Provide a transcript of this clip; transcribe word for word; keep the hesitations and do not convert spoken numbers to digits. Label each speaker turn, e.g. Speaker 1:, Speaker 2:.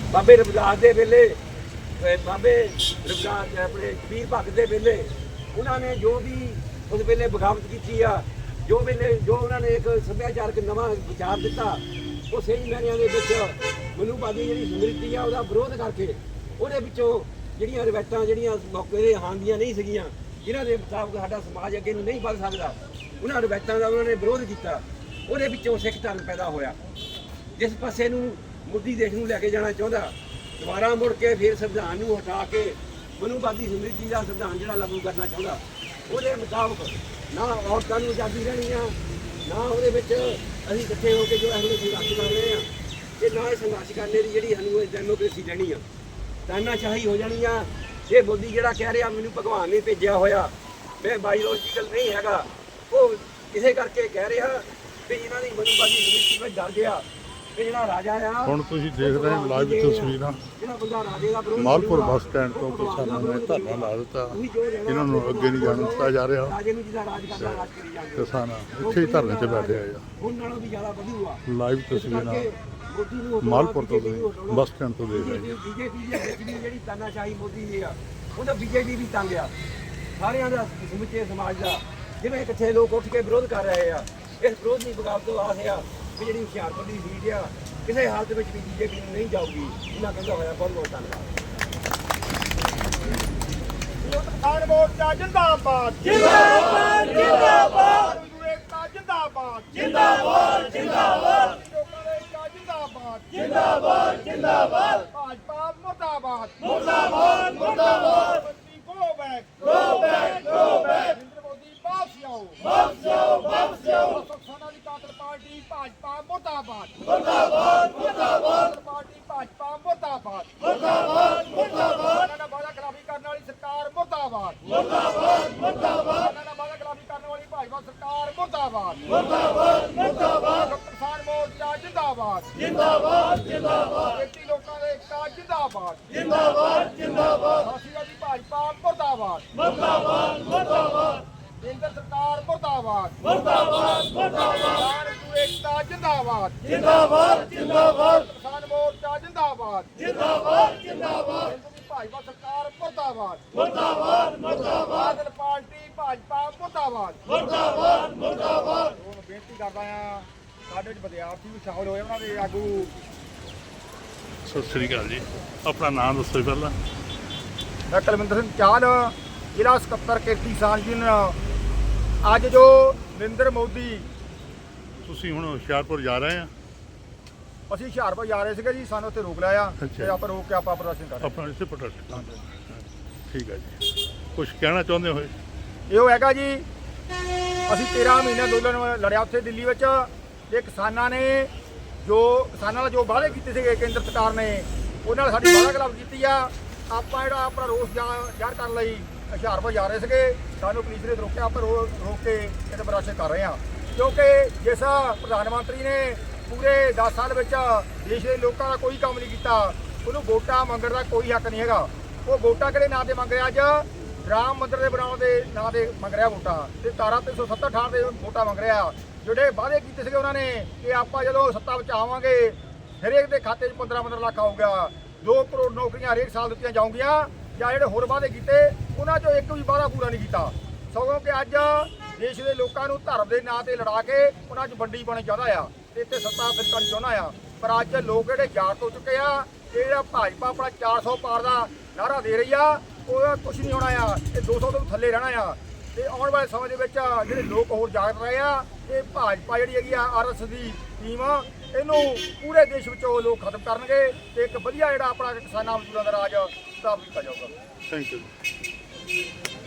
Speaker 1: बाबे रविदास के वेले बाबे रविदास अपने कबीर भगत के वेले उन्होंने जो भी उस वेले बगावत की आ, जो वेले जो उन्होंने एक सभ्याचारक नवा विचार दिता वो सही मैनिया के मनुवादी जी समृति आ उसका विरोध करके ਉਹਦੇ ਵਿੱਚੋਂ ਜਿਹੜੀਆਂ ਰਵਾਇਤਾਂ ਜਿਹੜੀਆਂ ਮੌਕੇ ਦੇ ਹਾਨ ਦੀਆਂ ਨਹੀਂ ਸੀਗੀਆਂ ਜਿਨ੍ਹਾਂ ਦੇ ਮੁਤਾਬਕ ਸਾਡਾ ਸਮਾਜ ਅੱਗੇ ਨੂੰ ਨਹੀਂ ਵੱਧ ਸਕਦਾ ਉਹਨਾਂ ਰਵਾਇਤਾਂ ਦਾ ਉਹਨਾਂ ਨੇ ਵਿਰੋਧ ਕੀਤਾ। ਉਹਦੇ ਵਿੱਚੋਂ ਸਿੱਖ ਧਰਮ ਪੈਦਾ ਹੋਇਆ ਜਿਸ ਪਾਸੇ ਨੂੰ ਮੋਦੀ ਦੇਸ਼ ਨੂੰ ਲੈ ਕੇ ਜਾਣਾ ਚਾਹੁੰਦਾ ਦੁਬਾਰਾ ਮੁੜ ਕੇ ਫਿਰ ਸੰਵਿਧਾਨ ਨੂੰ ਹਟਾ ਕੇ ਮਨੂਵਾਦੀ ਸਮ੍ਰਿਤੀ ਦਾ ਸੰਵਿਧਾਨ ਜਿਹੜਾ ਲਾਗੂ ਕਰਨਾ ਚਾਹੁੰਦਾ ਉਹਦੇ ਮੁਤਾਬਕ ਨਾ ਔਰਤਾਂ ਨੂੰ ਆਜ਼ਾਦੀ ਰਹਿਣੀ ਆ ਨਾ ਉਹਦੇ ਵਿੱਚ ਅਸੀਂ ਇਕੱਠੇ ਹੋ ਕੇ ਜੋ ਇਹੋ ਜਿਹੇ ਸੰਘਰਸ਼ ਕਰ ਰਹੇ ਹਾਂ ਤੇ ਨਾ ਇਹ ਸੰਘਰਸ਼ ਕਰਨੇ ਦੀ ਜਿਹੜੀ ਸਾਨੂੰ ਡੈਮੋਕ੍ਰੇਸੀ ਰਹਿਣੀ ਆ ਤਾਨਾਸ਼ਾਹੀ ਹੋ ਜਾਣੀ ਆ। ਇਹ ਮੋਦੀ ਜਿਹੜਾ ਕਹਿ ਰਿਹਾ ਮੈਨੂੰ ਭਗਵਾਨ ਨੇ ਭੇਜਿਆ ਹੋਇਆ ਮੈਂ ਬਾਇਓਲੋਜੀਕਲ ਨਹੀਂ ਹੈਗਾ ਉਹ ਇਸੇ ਕਰਕੇ ਕਹਿ ਰਿਹਾ ਵੀ ਇਹਨਾਂ ਦੀ ਮਨੂਵਾਦੀ ਸਮ੍ਰਿਤੀ ਵਿੱਚ ਡਰ ਗਿਆ ਕਿ ਜਿਹੜਾ ਰਾਜਾ ਆ
Speaker 2: ਹੁਣ ਤੁਸੀਂ ਦੇਖ ਰਹੇ ਹੋ ਲਾਈਵ ਤਸਵੀਰਾਂ
Speaker 1: ਜਿਹੜਾ ਬੰਦਾ ਰਾਜੇ ਦਾ ਵਿਰੋਧ
Speaker 2: ਮਾਲਪੁਰ ਬੱਸ ਸਟੈਂਡ ਤੋਂ ਕਿਸਾਨਾਂ ਨੇ ਧਰਨਾ ਲਾ ਦਿੱਤਾ। ਇਹਨਾਂ ਨੂੰ ਅੱਗੇ ਨਹੀਂ ਜਾਣ ਦਿੱਤਾ ਜਾ ਰਿਹਾ।
Speaker 1: ਰਾਜੇ ਨੂੰ ਜਿਹਦਾ ਰਾਜ ਕਰਦਾ ਰਾਜ ਕਰੀ ਜਾਂਦੇ
Speaker 2: ਕਿਸਾਨ ਇੱਥੇ ਹੀ ਧਰਨੇ 'ਤੇ ਬੈਠੇ ਹੋਏ ਆ।
Speaker 1: ਉਹਨਾਂ ਨਾਲੋਂ ਵੀ ਜ਼ਿਆਦਾ ਵਧੂ ਆ।
Speaker 2: ਲਾਈਵ ਤਸਵੀਰਾਂ ਮਾਲਪੁਰ ਤੋਂ ਬੱਸ ਸਟੈਂਡ ਤੋਂ ਦੇਖ ਰਹੇ ਹਾਂ।
Speaker 1: ਬੀਜੇਪੀ ਦੀ ਵਿੱਚ ਵੀ ਜਿਹੜੀ ਤਾਨਾਸ਼ਾਹੀ ਮੋਦੀ ਦੀ ਆ ਉਹਦਾ ਬੀਜੇਪੀ ਵੀ ਤੰਗ ਆ ਸਾਰਿਆਂ ਦਾ ਸਮੁੱਚੇ ਸਮਾਜ ਦਾ ਜਿਵੇਂ ਇਕੱਠੇ ਲੋਕ ਉੱਠ ਕੇ ਵਿਰੋਧ ਕਰ ਰਹੇ ਆ। ਇਸ ਵਿਰੋਧ ਦੀ ਬਗਾਵਤ ਤੋਂ ਆਸ ਆ ਵੀ ਜਿਹੜੀ ਹੁਸ਼ਿਆਰਪੁਰ ਦੀ ਸੀਟ ਆ ਕਿਸੇ ਹਾਲਤ ਵਿੱਚ ਵੀ ਬੀਜੇਪੀ ਨੂੰ ਨਹੀਂ ਜਾਊਗੀ। ਇਹਨਾਂ ਕਹਿੰਦਾ ਹੋਇਆ ਬਹੁਤ ਬਹੁਤ ਧੰਨਵਾਦ।
Speaker 3: ਕਿਸਾਨ ਮੋਰਚਾ ਜਿੰਦਾਬਾਦ ਜਿੰਦਾਬਾਦ ਜਿੰਦਾਬਾਦ ਜਿੰਦਾਬਾਦ ਜਿੰਦਾਬਾਦ ਜਿੰਦਾਬਾਦ ਜਿੰਦਾਬਾਦ ਜਿੰਦਾਬਾਦ ਜਿੰਦਾਬਾਦ ਭਾਜਪਾ ਮੁਰਦਾਬਾਦ ਮੁਰਦਾਬਾਦ ਮੁਰਦਾਬਾਦ ਮੰਤਰੀ go back go back go back Narinder Modi ਵਾਪਸ ਆਓ ਵਾਪਸ ਆਓ ਵਾਪਸ ਆਓ ਕਿਸਾਨਾਂ ਦੀ ਕਾਤਲ ਪਾਰਟੀ ਭਾਜਪਾ ਮੁਰਦਾਬਾਦ ਮੁਰਦਾਬਾਦ ਮੁਰਦਾਬਾਦ ਪਾਰਟੀ ਭਾਜਪਾ ਮੁਰਦਾਬਾਦ ਮੁਰਦਾਬਾਦ ਮੁਰਦਾਬਾਦ ਇਹਨਾਂ ਵਾਅਦਾ ਖਿਲਾਫੀ ਕਰਨ ਵਾਲੀ ਸਰਕਾਰ ਮੁਰਦਾਬਾਦ ਮੁਰਦਾਬਾਦ ਮੁਰਦਾਬਾਦ ਇਹਨਾਂ ਵਾਅਦਾ ਖਿਲਾਫੀ ਕਰਨ ਵਾਲੀ ਭਾਜਪਾ ਸਰਕਾਰ ਮੁਰਦਾਬਾਦ ਮੁਰਦਾਬਾਦ ਮੁਰਦਾਬਾਦ ਕਿਸਾਨ ਮੋਰਚਾ ਜਿੰਦਾਬਾਦ ਜਿੰਦਾਬਾਦ ਜਿੰਦਾਬਾਦ ਖੇਤੀ ਲੋਕਾਂ ਦੇ ਏਕਤਾ ਜਿੰਦਾਬਾਦ ਜਿੰਦਾਬਾਦ ਜਿੰਦਾਬਾਦ ਸਾਥੀਆਂ ਦੀ ਭਾਜਪਾ ਮੁਰਦਾਬਾਦ ਮੁਰਦਾਬਾਦ ਮੁਰਦਾਬਾਦ ਕੇਂਦਰ ਸਰਕਾਰ ਮੁਰਦਾਬਾਦ ਮੁਰਦਾਬਾਦ ਮੁਰਦਾਬਾਦ ਕਿਸਾਨ ਏਕਤਾ ਜਿੰਦਾਬਾਦ ਜਿੰਦਾਬਾਦ ਜਿੰਦਾਬਾਦ ਕਿਸਾਨ ਮੋਰਚਾ ਜਿੰਦਾਬਾਦ ਜਿੰਦਾਬਾਦ ਜਿੰਦਾਬਾਦ ਕੇਂਦਰ ਦੀ ਭਾਜਪਾ ਸਰਕਾਰ ਮੁਰਦਾਬਾਦ ਮੁਰਦਾਬਾਦ ਮੁਰਦਾਬਾਦ ਪਾਰਟੀ ਭਾਜਪਾ ਮੁਰਦਾਬਾਦ ਮੁਰਦਾਬਾਦ ਮੁਰਦਾਬਾਦ ਹੁਣ ਬੇਨਤੀ ਕਰਦਾ ਆ ਸਾਡੇ ਵਿੱਚ ਵਿਦਿਆਰਥੀ ਵੀ ਸ਼ਾਮਲ ਹੋਏ ਉਹਨਾਂ ਦੇ ਆਗੂ।
Speaker 2: ਸਤਿ ਸ੍ਰੀ ਅਕਾਲ ਜੀ, ਆਪਣਾ ਨਾਮ ਦੱਸੋ ਪਹਿਲਾਂ।
Speaker 3: ਮੈਂ ਕੁਲਵਿੰਦਰ ਸਿੰਘ ਚਾਹਲ ਜ਼ਿਲ੍ਹਾ ਸਕੱਤਰ ਖੇਤੀ ਕਿਸਾਨ ਯੂਨੀਅਨ। ਅੱਜ ਜੋ ਨਰਿੰਦਰ ਮੋਦੀ
Speaker 2: ਤੁਸੀਂ ਹੁਣ ਹੁਸ਼ਿਆਰਪੁਰ ਜਾ ਰਹੇ ਆ?
Speaker 3: ਅਸੀਂ ਹੁਸ਼ਿਆਰਪੁਰ ਜਾ ਰਹੇ ਸੀਗੇ ਜੀ, ਸਾਨੂੰ ਉੱਥੇ ਰੋਕ ਲਿਆ
Speaker 2: ਅੱਛਾ।
Speaker 3: ਤੇ ਆਪਾਂ ਰੋਕ ਕੇ ਆਪਾਂ ਪ੍ਰਦਰਸ਼ਨ ਕਰ ਰਹੇ
Speaker 2: ਆਪਣਾ ਇੱਥੇ ਪ੍ਰੋਟੈਸਟ। ਠੀਕ ਹੈ ਜੀ, ਕੁਝ ਕਹਿਣਾ ਚਾਹੁੰਦੇ ਹੋਏ?
Speaker 3: ਇਹੋ ਹੈਗਾ ਜੀ ਅਸੀਂ ਤੇਰਾਂ ਮਹੀਨੇ ਅੰਦੋਲਨ ਲੜਿਆ ਉੱਥੇ ਦਿੱਲੀ ਵਿੱਚ ਤੇ ਕਿਸਾਨਾਂ ਨੇ ਜੋ ਕਿਸਾਨਾਂ ਨਾਲ ਜੋ ਵਾਅਦੇ ਕੀਤੇ ਸੀਗੇ ਕੇਂਦਰ ਸਰਕਾਰ ਨੇ ਉਹਨਾਂ ਨਾਲ ਸਾਡੀ ਵਾਅਦਾ ਖਿਲਾਫ ਕੀਤੀ ਆ। ਆਪਾਂ ਜਿਹੜਾ ਆਪਣਾ ਰੋਸ ਜ਼ਾਹਰ ਕਰਨ ਲਈ ਹੁਸ਼ਿਆਰਪੁਰ ਜਾ ਰਹੇ ਸੀਗੇ, ਸਾਨੂੰ ਪੁਲਿਸ ਨੇ ਰੋਕਿਆ। ਆਪਾਂ ਰੋਕ ਕੇ ਇਹਦੇ ਪ੍ਰਦਰਸ਼ਨ ਕਰ ਰਹੇ ਹਾਂ ਕਿਉਂਕਿ ਜਿਸ ਪ੍ਰਧਾਨ ਮੰਤਰੀ ਨੇ ਪੂਰੇ ਦਸ ਸਾਲ ਵਿੱਚ ਦੇਸ਼ ਦੇ ਲੋਕਾਂ ਦਾ ਕੋਈ ਕੰਮ ਨਹੀਂ ਕੀਤਾ ਉਹਨੂੰ ਵੋਟਾਂ ਮੰਗਣ ਦਾ ਕੋਈ ਹੱਕ ਨਹੀਂ ਹੈਗਾ। ਉਹ ਵੋਟਾਂ ਕਿਹੜੇ ਨਾਂ 'ਤੇ ਮੰਗ ਰਿਹਾ? ਅੱਜ ਰਾਮ ਮੰਦਿਰ ਦੇ ਬਣਾਉਣ ਦੇ ਨਾਂ 'ਤੇ ਮੰਗ ਰਿਹਾ ਵੋਟਾਂ ਤੇ ਧਾਰਾ ਤਿੰਨ ਸੌ ਸੱਤਰ ਥਾਂ 'ਤੇ ਵੋਟਾਂ ਮੰਗ ਰਿਹਾ। ਜਿਹੜੇ ਵਾਅਦੇ ਕੀਤੇ ਸੀਗੇ ਉਹਨਾਂ ਨੇ ਕਿ ਆਪਾਂ ਜਦੋਂ ਸੱਤਾ ਵਿੱਚ ਆਵਾਂਗੇ ਹਰੇਕ ਦੇ ਖਾਤੇ 'ਚ ਪੰਦਰਾਂ ਪੰਦਰਾਂ ਲੱਖ ਆਊਗਾ, ਦੋ ਕਰੋੜ ਨੌਕਰੀਆਂ ਹਰੇਕ ਸਾਲ ਦਿੱਤੀਆਂ ਜਾਊਗੀਆਂ, ਜਾਂ ਜਿਹੜੇ ਹੋਰ ਵਾਅਦੇ ਕੀਤੇ ਉਹਨਾਂ 'ਚੋਂ ਇੱਕ ਵੀ ਵਾਅਦਾ ਪੂਰਾ ਨਹੀਂ ਕੀਤਾ। ਸਗੋਂ ਕਿ ਅੱਜ ਦੇਸ਼ ਦੇ ਲੋਕਾਂ ਨੂੰ ਧਰਮ ਦੇ ਨਾਂ 'ਤੇ ਲੜਾ ਕੇ ਉਹਨਾਂ 'ਚ ਵੰਡੀ ਪਾਉਣੀ ਚਾਹੁੰਦਾ ਆ ਤੇ ਇੱਥੇ ਸੱਤਾ ਫਿਰ ਕਰਨੀ ਚਾਹੁੰਦਾ ਆ। ਪਰ ਅੱਜ ਲੋਕ ਜਿਹੜੇ ਜਾਗ ਹੋ ਚੁੱਕੇ ਆ, ਇਹ ਜਿਹੜਾ ਭਾਜਪਾ ਆਪਣਾ ਚਾਰ ਸੌ ਪਾਰ ਦਾ ਨਾਅਰਾ ਦੇ ਰਹੀ ਆ ਉਹ ਕੁਛ ਨਹੀਂ ਹੋਣਾ ਆ, ਇਹ ਦੋ ਸੌ ਤੋਂ ਥੱਲੇ ਰਹਿਣਾ ਆ। ਤੇ ਆਉਣ ਵਾਲੇ ਸਮੇਂ ਦੇ ਵਿੱਚ ਜਿਹੜੇ ਲੋਕ ਹੋਰ ਜਾਗ ਰਹੇ ਆ, ਇਹ ਭਾਜਪਾ ਜਿਹੜੀ ਹੈਗੀ ਆ ਆਰ ਐਸ ਦੀ ਟੀਮ ਇਹਨੂੰ ਪੂਰੇ ਦੇਸ਼ ਵਿੱਚੋਂ ਲੋਕ ਖਤਮ ਕਰਨਗੇ ਤੇ ਇੱਕ ਵਧੀਆ ਜਿਹੜਾ ਆਪਣਾ ਕਿਸਾਨਾਂ ਮਜ਼ਦੂਰਾਂ ਦਾ ਰਾਜ ਸਥਾਪਿਤ ਕੀਤਾ ਜਾਊਗਾ।
Speaker 2: Thank you.